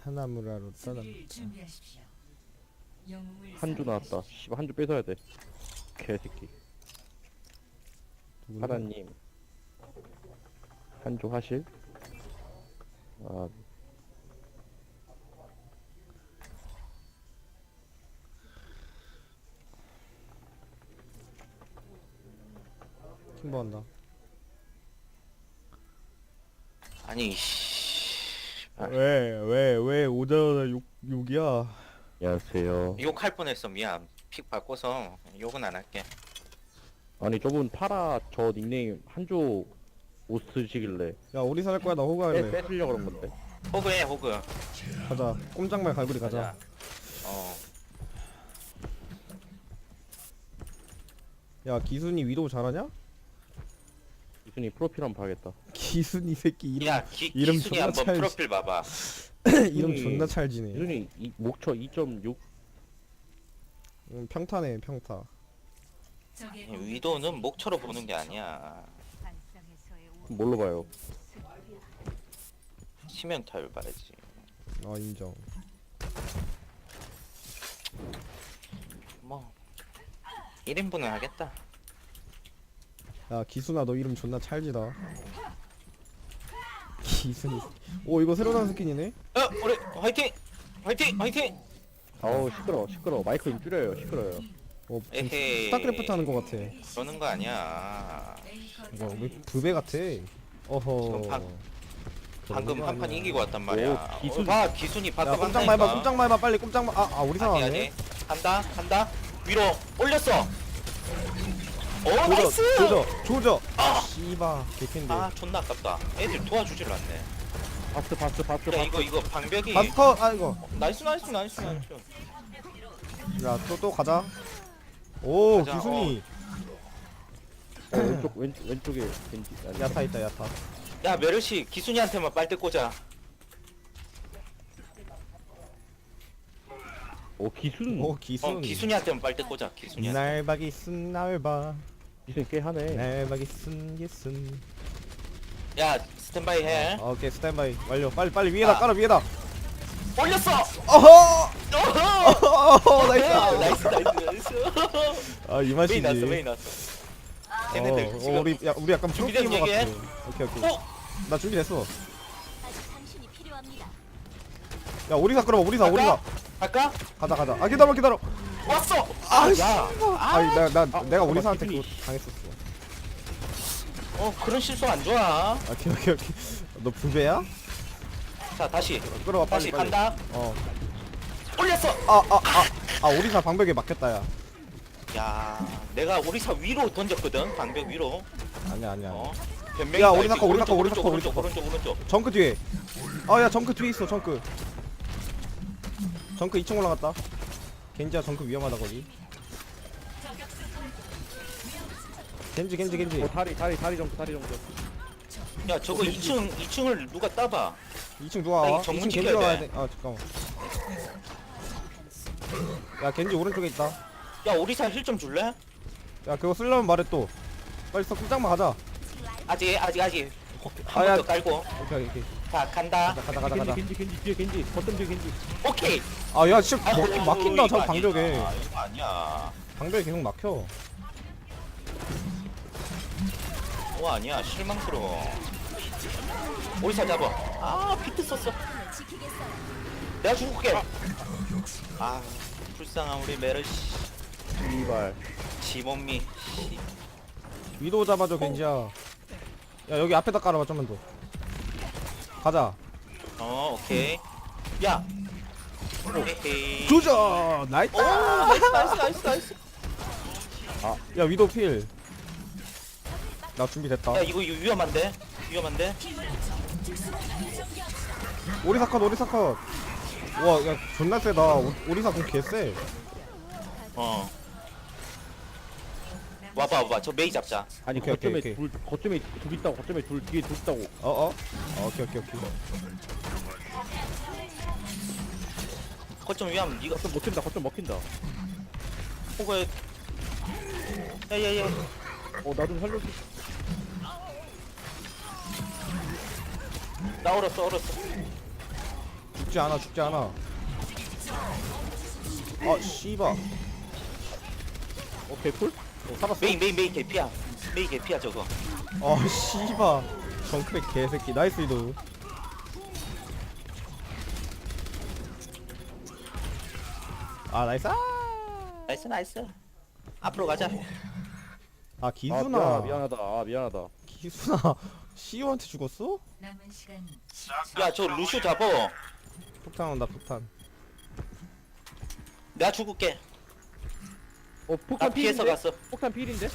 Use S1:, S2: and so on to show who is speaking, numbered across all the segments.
S1: 하나무라로
S2: 수비를
S1: 떠납니다.
S2: 준비하십시오. 영웅을
S3: 한조 나왔다. 씨발 한조 뺏어야 돼. 개새끼.
S1: 누구나?
S3: 하나님. 한조 하실? 아,
S1: 킹버한다.
S4: 아니 씨.
S1: 왜 오자마자 욕이야?
S3: 안녕하세요.
S4: 욕할 뻔했어. 미안. 픽 바꿔서 욕은 안 할게.
S3: 아니 저분 파라 저 닉네임 한조 옷 쓰시길래
S1: 야 우리 살 거야 나 호그 할래.
S3: 뺏으려고 그런 건데.
S4: 호그해 호그.
S1: 가자. 꼼짝말 갈고리 가자.
S4: 가자. 어.
S1: 야 기순이 위도우 잘하냐?
S3: 이순이 프로필 한번 봐야겠다.
S1: 기순이 새끼 이름
S4: 야
S1: 이름
S4: 기순이
S1: 존나
S4: 한번
S1: 찰지.
S4: 프로필 봐봐.
S1: 이름 존나 찰지네.
S3: 이순이 목초 2.6
S1: 평타네 평타.
S2: 적의
S4: 위도는 목처로 보는 게 아니야.
S3: 뭘로 봐요?
S4: 치명타율 봐야지.
S1: 아 인정.
S4: 뭐 1인분은 하겠다.
S1: 야 기순아 너 이름 존나 찰지다. 기순이. 오 이거 새로 나온 스킨이네.
S4: 우리 화이팅! 화이팅! 화이팅!
S3: 아우 시끄러. 마이크 좀 줄여요. 시끄러요.
S1: 어
S4: 에헤이.
S1: 스타크래프트 하는 거 같아.
S4: 그러는 거 아니야.
S1: 이거 왜 부배 같아. 어허.
S4: 지금 방금
S1: 그런 거
S4: 한 판
S1: 아니야.
S4: 이기고 왔단 말이야.
S3: 오, 기순.
S4: 봐 기순이
S1: 야
S4: 바꿔
S1: 꼼짝마 해봐 꼼짝마 해봐 빨리 꼼짝마. 아 우리
S4: 아니
S1: 상황이네.
S4: 아니 간다 위로 올렸어. 오 나이스.
S1: 조져. 씨바 개캔데.
S4: 아 존나 아깝다. 애들 도와주질 않네.
S3: 바스.
S4: 야 이거 방벽이
S1: 바스터 아이고.
S4: 나이스.
S1: 야 또 가자. 오
S4: 가자,
S1: 기순이.
S3: 왼쪽에 겐지. 아니,
S1: 야타 있다 야타.
S4: 야 메르시 기순이한테만 빨대 꽂아.
S3: 오 기순.
S1: 오 기순.
S4: 기순이한테만 빨대 꽂아. 기순이한테.
S1: 날박이 쓴 날바.
S3: 기순 꽤 하네.
S1: 날박이 쓴 기순.
S4: 야 스탠바이 해.
S1: 오케이 스탠바이 완료. 빨리 위에다
S4: 아.
S1: 깔아 위에다.
S4: 올렸어.
S1: 어허.
S4: 어허.
S1: 나이스.
S4: 나이스.
S1: 아이
S4: 메인
S1: 맛이지.
S4: 났어 메인 났어. 걔네들 지금
S1: 우리 약간
S4: 준비된
S1: 프로게이머 같아.
S4: 얘기해?
S1: 오케이.
S4: 어?
S1: 나 준비됐어.
S5: 아직 당신이 필요합니다.
S1: 야 오리사 끌어봐 오리사.
S4: 갈까?
S1: 가자. 아 기다려.
S4: 왔어.
S1: 야. 아니 나 내가 오리사한테
S3: 기순이.
S1: 그거 당했었어.
S4: 그런 실수 안 좋아.
S1: 오케이. 너 부배야?
S4: 자 다시
S1: 끌어봐
S4: 다시
S1: 빨리.
S4: 간다.
S1: 어.
S4: 올렸어.
S1: 아 오리사 방벽에 막혔다 야.
S4: 야 내가 오리사 위로 던졌거든. 방벽 위로.
S1: 아니야.
S4: 변명이
S1: 야,
S4: 다
S1: 오리사
S4: 있지.
S1: 거, 오리사 거,
S4: 오른쪽,
S1: 오리사 거.
S4: 오른쪽.
S1: 정크 뒤에. 야 정크 뒤에 있어 정크. 정크 2층 올라갔다. 겐지야 정크 위험하다 거기. 겐지.
S3: 다리 정도.
S4: 야 저거 2층을 누가 따봐.
S1: 2층 누가 와?
S4: 나 이거 정문
S1: 2층 겐지가
S4: 지켜야
S1: 와야
S4: 돼.
S1: 돼. 아 잠깐만. 야 겐지 오른쪽에 있다.
S4: 야 오리사 힐 좀 줄래?
S1: 야 그거 쓰려면 말해 또. 빨리 써 꼼짝마 가자.
S4: 아직.
S1: 아,
S4: 한
S1: 야.
S4: 번 더 깔고.
S1: 오케이.
S4: 자 간다.
S1: 가자.
S3: 겐지 뒤에 겐지. 버튼 뒤에 겐지.
S4: 오케이.
S1: 아야 진짜 막힌다
S4: 이거
S1: 저
S4: 아니야.
S1: 방벽에.
S4: 이거 아니야.
S1: 방벽에 계속 막혀.
S4: 아니야 실망스러워. 오리사 잡아. 비트 썼어.
S5: 지키겠어요.
S4: 내가 죽을게. 불쌍한 우리 메르시.
S3: 이발.
S4: 지몸미.
S1: 위도 잡아줘 겐지야. 야 여기 앞에다 깔아봐 좀만 더. 가자.
S4: 오케이. 야. 에헤이.
S1: 조져 나이스.
S4: 나이스.
S1: 야 위도 필. 나 준비됐다.
S4: 야 이거 위험한데?
S1: 오리사 컷. 와, 야 존나 세다. 오리사 공 개쎄.
S4: 와봐. 저 메이 잡자.
S3: 아니
S1: 오케이.
S3: 거점에 둘 있다고. 거점에 둘 뒤에 둘 있다고.
S1: 오케이.
S4: 거점 위험. 네가
S3: 거점 먹힌다.
S4: 호그. 야야야.
S3: 나 좀 살려줘.
S4: 나 얼었어.
S1: 죽지 않아 죽지 않아. 아 씨바.
S3: 오케이 쿨?
S1: 살았어.
S4: 메인 개피야. 메인 개피야 저거.
S1: 아 씨바. 정크랙 개새끼. 나이스 이도. 아 나이스.
S4: 나이스. 앞으로 가자.
S1: 아
S3: 아
S1: 기순아.
S3: 미안하다. 아 미안하다.
S1: 기순아. 시우한테 죽었어?
S2: 남은 시간
S4: 야 저 루슈 잡어.
S1: 폭탄 온다 폭탄.
S4: 내가 죽을게.
S3: 어
S4: 나
S3: 폭탄
S4: 피해서
S3: 필인데?
S4: 갔어.
S3: 폭탄 필인데?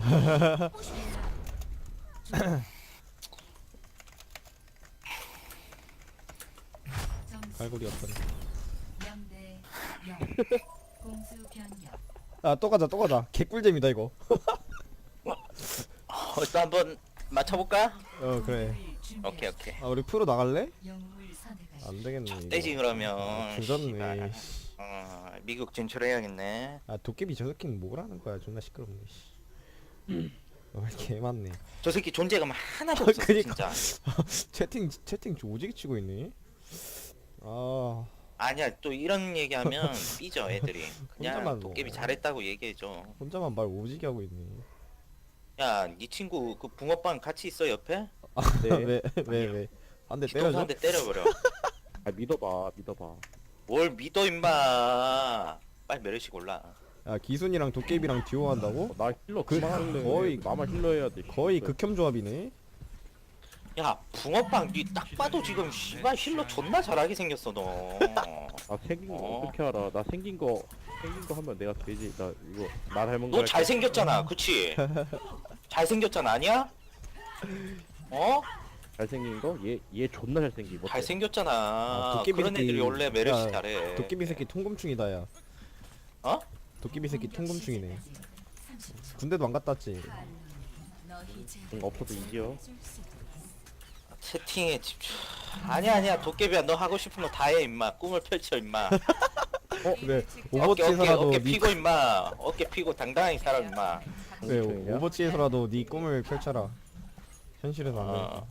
S2: 점수
S1: 갈고리 없더니.
S2: 0대 0 공수 변경
S1: 아또 가자 또 가자. 개꿀잼이다 이거.
S4: 또 한번 맞춰볼까?
S1: 어 그래.
S4: 오케이.
S1: 아 우리 프로 나갈래?
S2: 영웅을 선택하시
S1: 안 되겠네. 이거.
S4: 떼지 그러면.
S1: 조졌네.
S4: 씨발. 미국 진출해야겠네.
S1: 아 도깨비 저 새끼는 뭐라는 거야? 존나 시끄럽네. 씨. 왜 이렇게 많네.
S4: 저 새끼 존재감 하나도 없어
S1: 그니까.
S4: 진짜.
S1: 채팅 오지게 치고 있네. 아
S4: 아니야 또 이런 얘기하면 삐져 애들이. 그냥
S1: 혼자만
S4: 도깨비
S1: 뭐.
S4: 잘했다고 얘기해줘.
S1: 혼자만 말 오지게 하고 있네.
S4: 야, 네 친구 그 붕어빵 같이 있어 옆에?
S3: 네.
S1: 왜? 한 대
S4: 뒤통수
S1: 때려줘?
S4: 한 대 때려버려.
S3: 아 믿어봐.
S4: 뭘 믿어 임마. 빨리 메르시 골라.
S1: 야 기순이랑 도깨비랑 듀오 한다고?
S3: 나 힐러
S1: 그-
S3: 그만할래.
S1: 거의-
S3: 나만 힐러 해야 돼.
S1: 거의 극혐 조합이네.
S4: 야, 붕어빵 니 딱 봐도 지금 씨발 힐러 존나 잘하게 생겼어 너.
S3: 나 생긴 거
S4: 어.
S3: 어떻게 알아? 나 생긴 거 하면 내가 되지. 나 이거 나 닮은 거.
S4: 너 잘생겼잖아, 그치? 잘생겼잖아, 아니야? 어?
S3: 잘생긴 거? 얘 존나 잘생긴 거.
S4: 잘생겼잖아.
S1: 아, 도깨비
S4: 그런
S1: 새끼.
S4: 애들이 원래 메르시
S1: 야,
S4: 잘해.
S1: 도깨비 새끼 통금충이다 야.
S4: 어?
S1: 도깨비 새끼 통금충이네.
S2: 30초
S1: 군대도 안 갔다 왔지.
S2: 너 이제
S3: 없어도 이겨.
S4: 채팅에 집중. 아니야. 도깨비야, 너 하고 싶은 거 다 해, 임마. 꿈을 펼쳐, 임마.
S1: 그래
S4: 어깨
S1: 오버워치에서라도 네
S4: 피고, 임마. 어깨 피고 당당하게 살아, 임마.
S1: 그래
S3: 통금충이냐?
S1: 오버워치에서라도 네 꿈을 펼쳐라. 현실에서 안
S4: 어.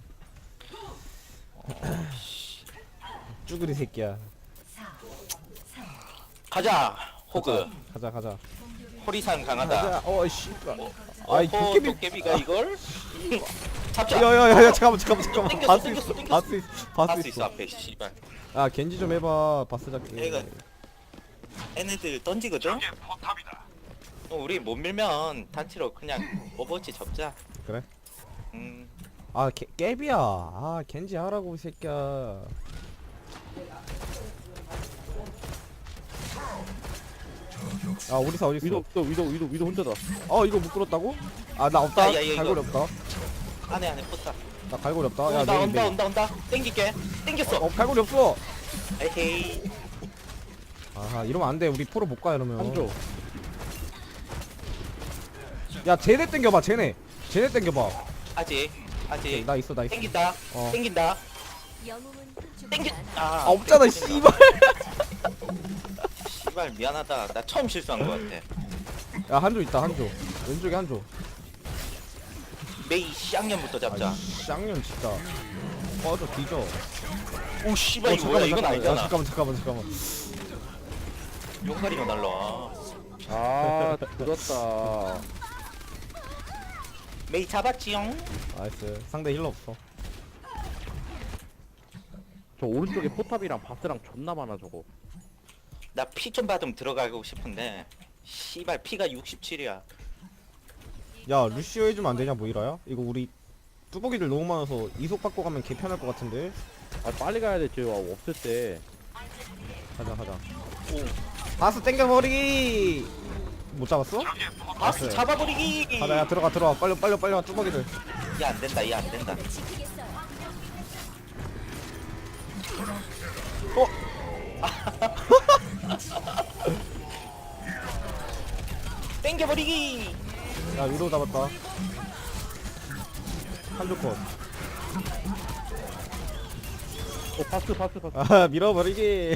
S1: 되니까. 쭈그리 새끼야.
S2: 4 3
S4: 가자, 호그.
S1: 가자.
S4: 호리산 강하다.
S1: 가자. 어 씨발. 아이
S4: 어허,
S1: 도깨비.
S4: 도깨비가 이걸? 잡자.
S1: 야야야 잠깐만.
S4: 땡겼어,
S1: 바스
S4: 땡겼어,
S1: 있어.
S4: 땡겼어.
S1: 바스 있어.
S4: 바스 있어 앞에 씨발.
S1: 아 겐지 좀 해봐. 바스 잡기.
S4: 얘가 얘네들 던지거든. 우리 못 밀면 단체로 그냥 오버워치 접자.
S1: 그래?
S4: 음.
S1: 아 깨비야. 아 겐지 하라고 이 새끼야. 아 오리사 어디 있어?
S3: 위도 혼자다.
S1: 어 이거 못 끌었다고? 아 나 없다.
S4: 야, 이거.
S1: 갈고리 없다.
S4: 안에 포탑.
S1: 나 갈고리 없다. 야
S4: 온다. 땡길게. 땡겼어.
S1: 어 갈고리 없어.
S4: 에헤이.
S1: 아 이러면 안 돼. 우리 프로 못 가 이러면.
S3: 한조.
S1: 야 쟤네 땡겨봐. 쟤네 땡겨봐.
S4: 아직.
S1: 나 있어.
S4: 땡긴다.
S1: 어.
S4: 땡긴다.
S5: 영웅은 죽지
S4: 땡겨.
S5: 않아.
S1: 아 없잖아
S4: 땡긴다.
S1: 씨발.
S4: 씨발 미안하다. 나 처음 실수한 것 같아.
S1: 야 한조 있다 한조. 왼쪽에 한조.
S4: 메이 쌍년부터 잡자.
S1: 아 쌍년 진짜. 꺼져 뒤져.
S4: 오 씨발 이거 뭐야? 이건 아니잖아.
S1: 잠깐만.
S4: 용가리가 날라와.
S3: 아 늦었다.
S4: 메이 잡았지용.
S1: 나이스. 상대 힐러 없어.
S3: 저 오른쪽에 포탑이랑 바스랑 존나 많아 저거.
S4: 나 피 좀 받으면 들어가고 싶은데 씨발 피가 67이야.
S1: 야 루시오 해주면 안 되냐 모이라야? 이거 우리 뚜벅이들 너무 많아서 이속 받고 가면 개 편할 것 같은데.
S3: 아 빨리 가야 돼. 저 없을 때.
S1: 가자.
S4: 오.
S1: 바스 땡겨버리기. 못 잡았어?
S4: 바스 잡아버리기.
S1: 가자 야 들어가 빨리 와 뚜벅이들.
S4: 얘 안 된다.
S5: 지키겠어요.
S4: 땡겨버리기.
S1: 야 위로 잡았다. 한조 컷.
S3: 바스.
S1: 아 밀어버리기.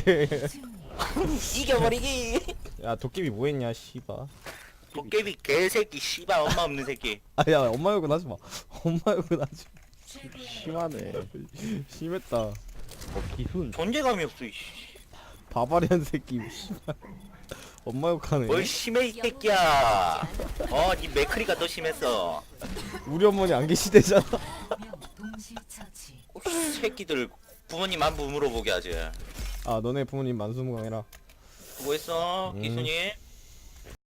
S4: 이겨버리기.
S1: 야 도깨비 뭐했냐 씨바.
S4: 도깨비 개새끼 씨발 엄마 없는 새끼.
S1: 아야 엄마 욕은 하지마. 엄마 욕은 하지.
S3: 심하네.
S1: 심했다.
S3: 기순.
S4: 존재감이 없어 이씨.
S1: 바바리안 새끼 씨발 엄마 욕하네.
S4: 뭘 심해 이 새끼야. 니 맥크리가 더 심했어.
S1: 우리 어머니 안 계시대잖아.
S2: 명 동시 처치.
S4: 새끼들 부모님 안부 물어보게 하지.
S1: 아 너네 부모님 만수무강해라.
S4: 수고했어
S1: 음.
S4: 기순이.